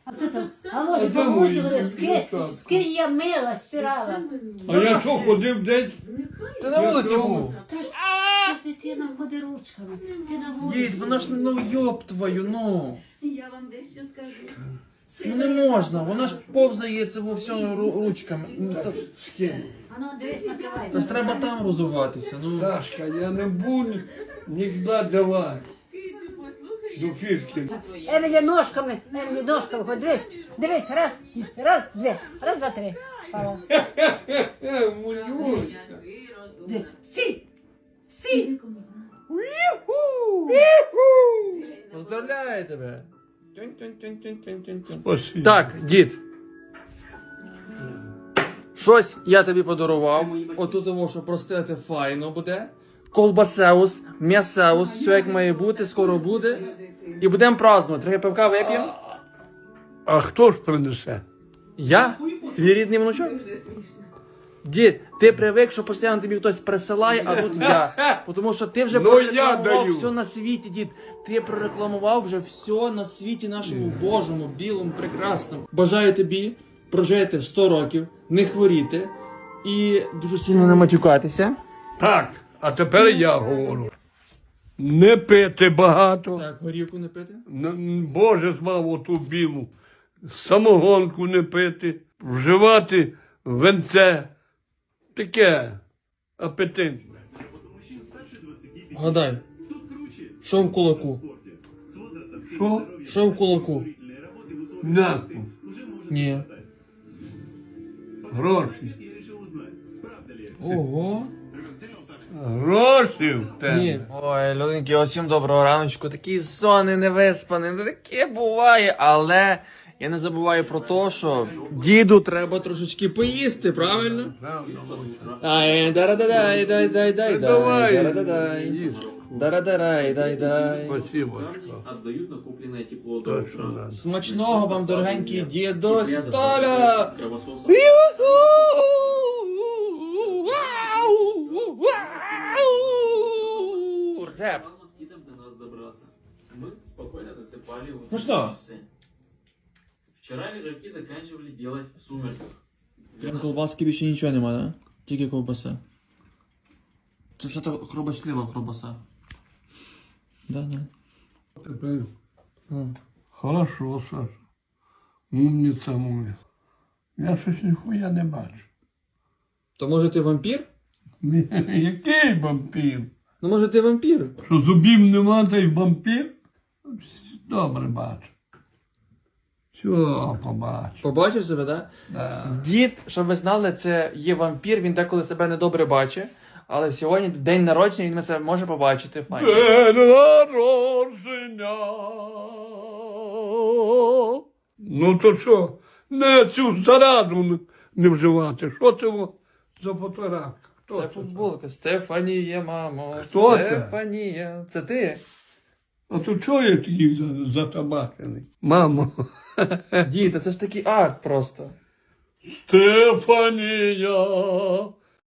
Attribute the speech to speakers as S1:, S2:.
S1: А це там, а може
S2: де мої
S1: помочили,
S2: дівчатка?
S1: скинь я мила, стирала.
S2: А я що, ходив десь?
S3: Ти на вулиці був.
S1: Та ж дитина ходить ручками. Ти на вулиці.
S3: Дід, вона ж, ну йоб твою, ну.
S4: Я вам дещо скажу.
S3: Ну не можна, вона ж повзає це во всьому ручками. Ну,
S2: З ким?
S1: А ну, дивись, накривай.
S3: Це ж треба там розуватися, ну.
S2: Сашка, я не буду ніколи давати.
S4: Кицю, послухай.
S2: До фішки.
S1: Емілі ножками, хоч дивись, раз, два, три. Пала.
S2: Мулюсь.
S1: Дивись, сі.
S3: Поздравляю тебе.
S2: Спасибо.
S3: Так, дід. Щось я тобі подарував. Отут того, що простити файно буде. Колбасеус, м'ясеус, все як має бути, скоро буде. І будемо празднувати. Трохи пивка вип'ємо.
S2: А хто ж принесе?
S3: Я? Твій рідний внучок? Дід, ти привик, що постійно тобі хтось присилає, а тут я. Тому що ти вже
S2: Ну, я
S3: прорекламував
S2: даю.
S3: все на світі, дід. Ти прорекламував вже все на світі нашому Божому, білому, прекрасному. Бажаю тобі прожити 100 років, не хворіти і дуже сильно не матюкатися.
S2: Так, а тепер я говорю. Не пити багато.
S3: Так, горівку не пити.
S2: Боже змав оту білу. Самогонку не пити. Вживати венце. Таке апетитне.
S3: Гадай, що в кулаку?
S2: Що?
S3: Що в кулаку?
S2: М'яко.
S3: Ні.
S2: Гроші.
S3: Ого.
S2: Гроші в тебе.
S3: Ні. Ой, людинки, усім доброго раночку. Такий сонний, невиспаний, ну таке буває, але я не забуваю про те, що діду треба трошечки поїсти, правильно? Ай, дарададай, дай, дай, дай,
S2: Давай.
S3: дарададай.
S2: Їж.
S3: Дарададай, дай, дай.
S2: Спасибо.
S5: Отдают накопленное тепло до
S2: Точно,
S5: утра.
S2: да.
S3: Смачного вам, дорогенький дідо Столя!
S5: Кровососа.
S3: Реп.
S5: По москитам до нас добраться. Мы спокойно досыпали
S3: Ну
S5: в
S3: что?
S5: часы. Вчера лежаки заканчивали делать в сумерках. Для наших
S3: Колбаски більше нічого нема, да? Тільки ковбаса. Це все то хробочлива ковбаса. Да, да.
S2: Тепер
S3: Ну.
S2: хорошо, Саша. Умниця моя. Я щось ніхуя не бачу.
S3: То може ти вампір?
S2: Ні, який вампір?
S3: Ну може ти вампір?
S2: Що зубів нема, та й вампір? Добре бачу. Все, побачу.
S3: Побачив себе, так?
S2: Да.
S3: Дід, щоб ви знали, це є вампір, він деколи себе недобре бачить. Але сьогодні день народження, він це може побачити. Файно.
S2: День народження. Ну то що, не цю зараду не вживати. Що це за фотографія? Хто
S3: Це
S2: це?
S3: футболка. Стефанія, мамо.
S2: Хто це?
S3: Стефанія. Це ти?
S2: А то чого я такий затабачений? Мамо.
S3: Дід, та це ж такий акт просто.
S2: Стефанія.